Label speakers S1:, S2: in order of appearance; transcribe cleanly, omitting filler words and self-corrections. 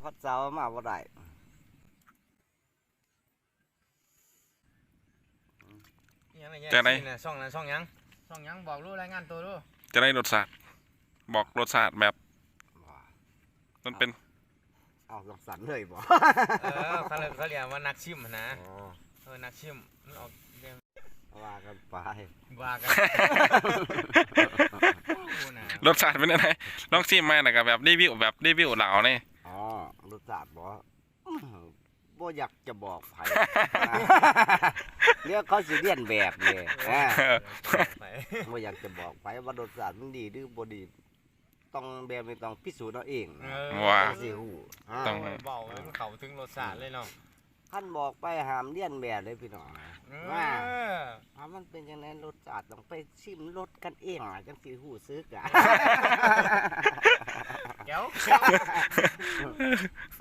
S1: อดเสามาบ่ได้
S2: จะได้
S3: ช่องนั้นช่องยังบอกรู้รายงานตัวรู้
S2: จะได้รสชาติบอกรสชาติแบบมันเป็น
S1: เอาลองสันเลยบ่
S3: เขาเรียกว่านักชิมนะ
S1: อ๋อ
S3: นักชิมมันออกเรียน
S1: ว่ากันไป
S3: ว่ากัน
S2: รสชาติเป็นยังไงลองชิมมาหน่อยกับแบบรีวิวเหล่านี่
S1: อ๋อรสชาติบ่บ่อยากจะบอกไผ เรียกเขาสิเรียนแบบนี่บ่อยากจะบอกไผว่ารสชาติมันดีหรือบ่ดีต้องแบบนี้ต้องพิสูจน์เอาเอง
S2: ว่า
S1: สิฮู้
S2: ต้อง
S3: เบาเลยมันเข้าถึงรสชาติเลยเนาะ
S1: ท่านบอกไปห้ามเลียนแบบเลยพี่น้องว่ามันเป็นจังได๋รสชาติต้องไปชิมรสกันเองจังสิฮู้ซึก
S3: เดี๋ยว